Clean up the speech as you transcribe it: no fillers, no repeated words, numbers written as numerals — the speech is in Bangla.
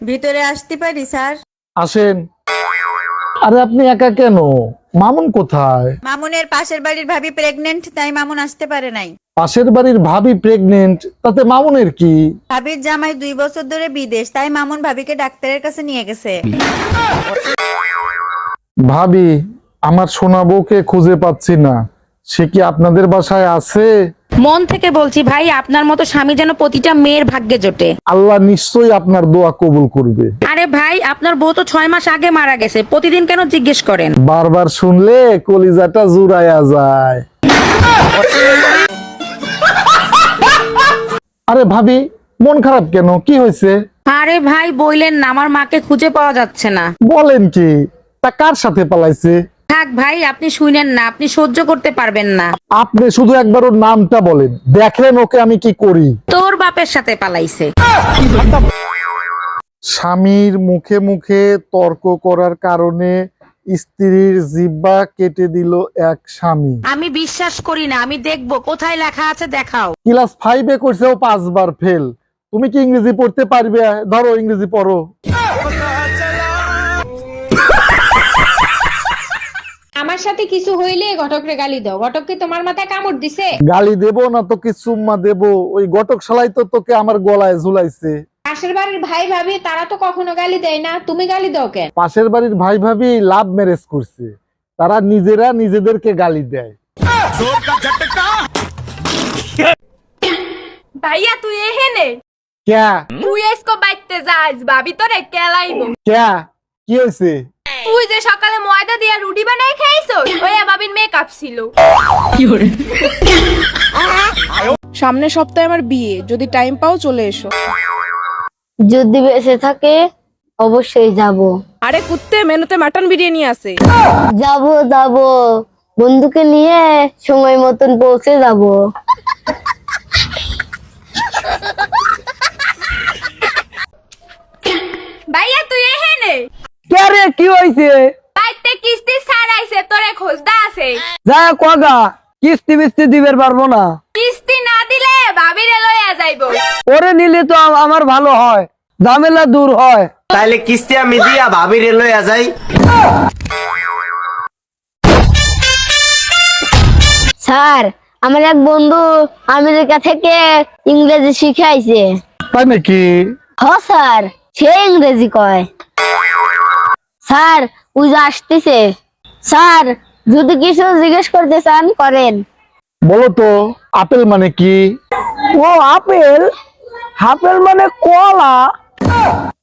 ভিতরে আসতে পারি স্যার? আসেন। আরে আপনি একা কেন? মামুন কোথায়? মামুনের পাশের বাড়ির ভাবি প্রেগনেন্ট, তাই মামুন আসতে পারে নাই। পাশের বাড়ির ভাবি প্রেগনেন্ট, তাতে মামুনের কি? ভাবির জামাই 2 বছর ধরে বিদেশ, তাই মামুন ভাবিকে ডাক্তারের কাছে নিয়ে গেছে। ভাবি, আমার সোনা বউকে খুঁজে পাচ্ছি না, সে কি আপনাদের বাসায় আছে? মন থেকে বলছি ভাই, আপনার মতো স্বামী যেন প্রতিটা মেয়ের ভাগ্যে জোটে। আল্লাহ নিশ্চয়ই আপনার দোয়া কবুল করবে। আরে ভাই, আপনার বউ তো 6 মাস আগে মারা গেছে, প্রতিদিন কেন জিজ্ঞেস করেন? বারবার শুনলে কলিজাটা জুড়াইয়া যায়। আরে ভাবি, মন খারাপ কেন? কি হয়েছে? আরে ভাই বইলেন না, আমার মাকে খুঁজে পাওয়া যাচ্ছে না। বলেন কি? তা কার সাথে পালাইছে? থাক ভাই, আপনি শুনেন না, আপনি সহ্য করতে পারবেন না। আপনি শুধু একবার ওর নামটা বলেন, দেখেন ওকে আমি কি করি। তোর বাপের সাথে পালাইছে। স্বামীর মুখে মুখে তর্ক করার কারণে স্ত্রীর জিহ্বা কেটে দিল এক স্বামী। আমি বিশ্বাস করি না, আমি দেখবো কোথায় লেখা আছে, দেখাও। ক্লাস 5-এ করছেও 5 বার ফেল। তুমি কি ইংরেজি পড়তে পারবে? ধরো ইংরেজি পড়ো। আমার সাথে কিছু হইলে ঘটকরে গালি দাও। ঘটক কি তোমার মাথায় কামড় দিছে? গালি দেব না তো কি চুম্মা দেব? ওই ঘটক শালাই তো তোকে আমার গলায় ঝুলাইছে। পাশের বাড়ির ভাই ভাবি তারা তো কখনো গালি দেয় না, তুমি গালি দাও কেন? পাশের বাড়ির ভাই ভাবি লাভ ম্যারেজ করছে, তারা নিজেরা নিজেদেরকে গালি দেয়। ভাইয়া তুই এহেনে ক্যা তুই এসকো বাইতে যাস ভাবি তোরে কেলাইবো। ক্যা কি হয়েছে? তুই যে সকালে ময়দা দিয়ে রুটি বানাই খাইছস ওই ভাবির মেকআপ ছিল। সামনের সপ্তাহে আমার বিয়ে, যদি টাইম পাও চলে এসো। যদি বেঁচে থাকে অবশ্যই যাব। আরে কুত্তে, মেনুতে মাটন বিরিয়ানি আছে। যাব যাব, বন্ধুকে নিয়ে সময় মতন পৌঁছে যাব। ভাইয়া তুই এহেনে কে রে, কি হইছে? বাইতে কিস্তি ছাড়াইছে তোরে খোঁজদা আছে। যা কগা, কিস্তি বিস্তি দিবের পারবো না। কিস্তি না দিলে ভাবিরে লইয়া যাইবো। ওরে নিলে তো আমার ভালো হয়, ঝামেলা দূর হয়। তাইলে কিস্তি আমি দিয়া ভাবির লইয়া যাই। স্যার, আমার এক বন্ধু আমেরিকা থেকে ইংরেজি শিখে আইছে। তাই নাকি? হ স্যার, সে ইংরেজি কয়। স্যার, ওই যে আসতেছে। স্যার, যদি কিছু জিজ্ঞেস করতে চান করেন। বলো তো, আপেল মানে কি? ও আপেল? আপেল মানে কলা।